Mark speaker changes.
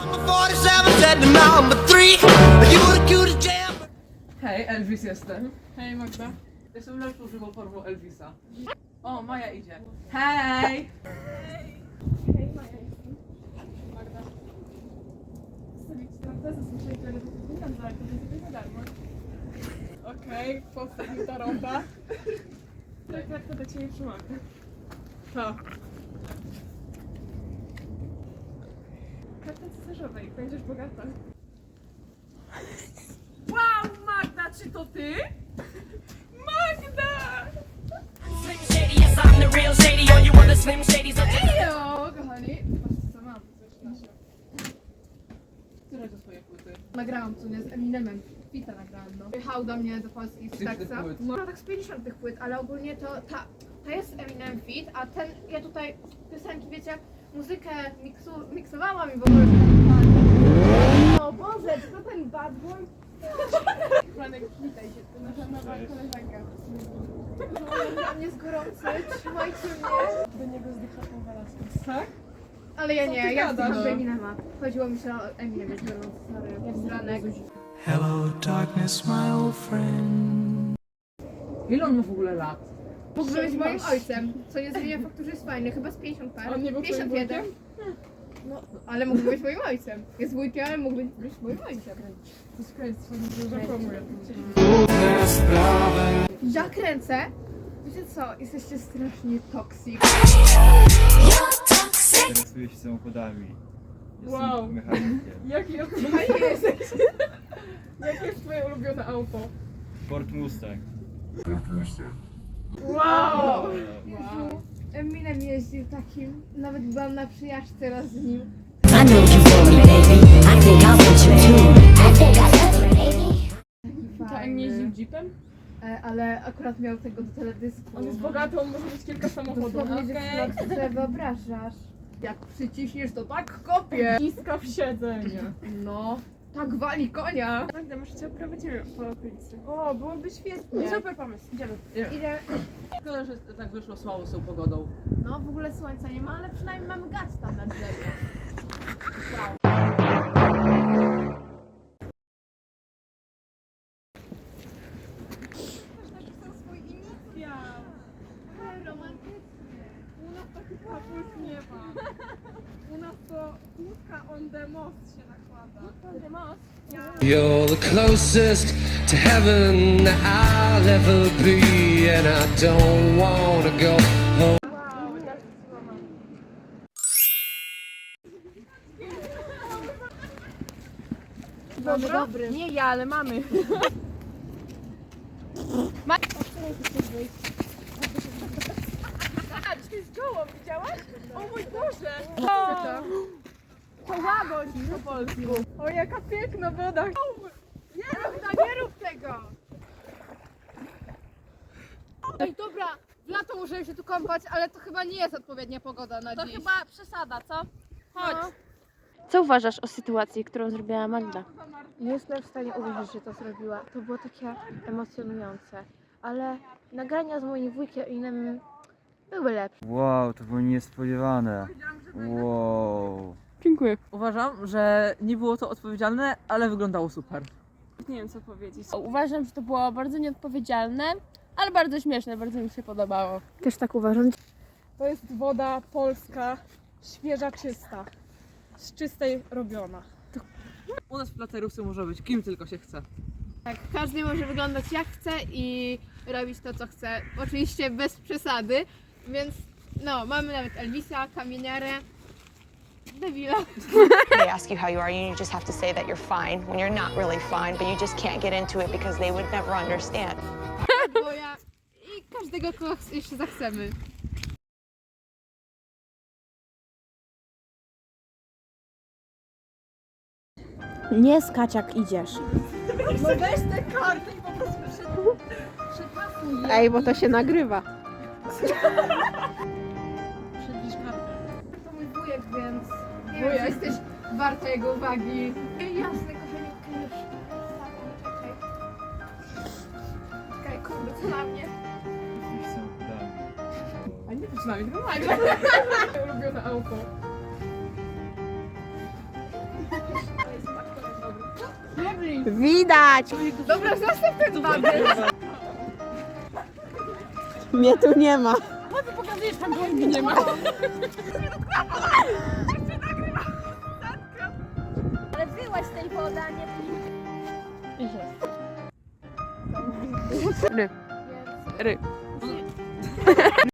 Speaker 1: Hej, Elvis jestem.
Speaker 2: Hej Magda.
Speaker 1: Jestem lepszą żywą formą Elvisa. O, Maja idzie. Hej!
Speaker 2: Hej Maja jestem. Magda. Zostawić ci tam tezę, słyszeli, że nie tam dalej, to będzie za darmo. Okej, powstał mi ta ronda. Tak, jak to do ciebie przymaka. To. Karta cesarzowej, będziesz bogata.
Speaker 1: Wow, Magda, czy to ty?
Speaker 2: Magda!
Speaker 3: Slim Shady, yes, I'm the real Shady. All you other Slim Shadys are just
Speaker 2: Ejo, kochani. Patrzcie co mam, coś na się.
Speaker 1: Które to twoje płyty?
Speaker 2: Nagrałam co nie z Eminemem. Fita nagrałam, no. Jechał do mnie do Polski z
Speaker 1: Z tych
Speaker 2: Teksa.
Speaker 1: płyt?
Speaker 2: No tak z 50 tych płyt, ale ogólnie to ta jest Eminem fit, a ten, ja tutaj piosenki, wiecie, muzykę miksowałam i w ogóle... O Boże, czy to ten bad boy? Franek, witaj się, to nasza nowa koleżanka. Dla mnie jest gorący, trzymajcie mnie. Do niego zdycha tą Velasquez.
Speaker 1: Tak?
Speaker 2: Ale ja nie, ja
Speaker 1: gadasz?
Speaker 2: zdycham do Eminema. Chodziło mi się o Eminem, jest gorący, sorry. Jest ranek.
Speaker 4: Hello, darkness, my old friend.
Speaker 1: Ile on ma w ogóle lat?
Speaker 2: Mógłby być moim ojcem, co nie zmienia faktu, że jest fajny, chyba z 50 par.
Speaker 5: On nie był twoim
Speaker 2: 51. No, ale mógłby być moim ojcem. Jest wujkiem, ale mógłby być moim ojcem.
Speaker 5: Zapromuję.
Speaker 2: Ja kręcę. Wiecie co, jesteście strasznie toxic.
Speaker 6: Interesuję się samochodami. Jestem
Speaker 5: Wow.
Speaker 6: mechanikiem.
Speaker 5: Jakie
Speaker 2: jesteś.
Speaker 5: Jakie jest twoje ulubione auto?
Speaker 6: Ford Mustang.
Speaker 5: Wow!
Speaker 2: Jezu, Eminem jeździł takim, nawet byłam na przyjażdżce raz z nim.
Speaker 3: I know you for me, baby. I think I want you too. I think I love you, baby.
Speaker 5: To on nie jeździł jeepem?
Speaker 2: Ale akurat miał tego do teledysku.
Speaker 5: On jest bogaty, on może mieć kilka samochodów.
Speaker 2: Dosłownie, że sobie wyobrażasz. Jak przyciśniesz, to tak kopie.
Speaker 5: Iska w siedzenie.
Speaker 2: No, tak wali konia.
Speaker 5: Magda, może cię oprowadzimy po okolicy. O, byłoby świetnie. Super pomysł, idziemy.
Speaker 2: Idę.
Speaker 1: Szkoda, że tak wyszło słabo z tą pogodą.
Speaker 2: No, w ogóle słońca nie ma, ale przynajmniej mamy gaz tam na drzewie. Romantycznie.
Speaker 5: U nas taki kapuś nie ma. U nas to łódka on the most się nakłada.
Speaker 2: On the most?
Speaker 7: You're the closest to heaven that I'll ever be, and I don't wanna go home.
Speaker 5: Wow, jak słoma.
Speaker 2: Dobry, dobry.
Speaker 5: Nie ja, ale mamy. A, dzisiaj z gołą, widziałaś? O mój Boże!
Speaker 2: Co to?
Speaker 5: To łagodź po polsku. O, jaka piękna woda.
Speaker 2: Nie rób tego! Ej, dobra, w lato możemy się tu kąpać, ale to chyba nie jest odpowiednia pogoda na dziś.
Speaker 8: Chyba przesada, co?
Speaker 2: Chodź.
Speaker 8: Co uważasz o sytuacji, którą zrobiła Magda?
Speaker 2: Nie jestem w stanie uwierzyć, że to zrobiła. To było takie emocjonujące. Ale nagrania z moim wujkiem i innym były lepsze.
Speaker 6: Wow, to było niespodziewane. Wow.
Speaker 5: Dziękuję.
Speaker 1: Uważam, że nie było to odpowiedzialne, ale wyglądało super.
Speaker 5: Nie wiem co powiedzieć.
Speaker 8: Uważam, że to było bardzo nieodpowiedzialne, ale bardzo śmieszne, bardzo mi się podobało.
Speaker 2: Też tak uważam.
Speaker 5: To jest woda polska, świeża, czysta. Z czystej robiona.
Speaker 1: U nas w placerówce może być kim tylko się chce.
Speaker 2: Tak, każdy może wyglądać jak chce i robić to, co chce. Oczywiście bez przesady, więc no, mamy nawet Elvisa, kamieniarę, debila.
Speaker 9: They ask you how you are, and you just have to say that you're fine when you're not really fine, but you just can't get into it because they would never understand.
Speaker 2: Boja i każdego, kogo jeszcze zachcemy.
Speaker 8: Nie skacz jak idziesz.
Speaker 5: No weź te karty i po prostu przepasuj je.
Speaker 2: Ej, bo to się nagrywa.
Speaker 1: Przybliż kartę.
Speaker 2: To mój wujek, więc nie wiem, czy jesteś warta jego uwagi. Jasne, kochaniutki, już. Czekaj. Czekaj, kurde, co na mnie?
Speaker 6: Jesteś samochodami.
Speaker 5: A nie przynajmniej, tylko Magda. Ulubione auto. Widać!
Speaker 2: Dobra, zostaw ten babiel.
Speaker 5: Mnie tu nie ma.
Speaker 8: Pokazujesz tam, bo mnie nie ma. Ale wyłaź z tej wody, a nie...
Speaker 5: Ryb.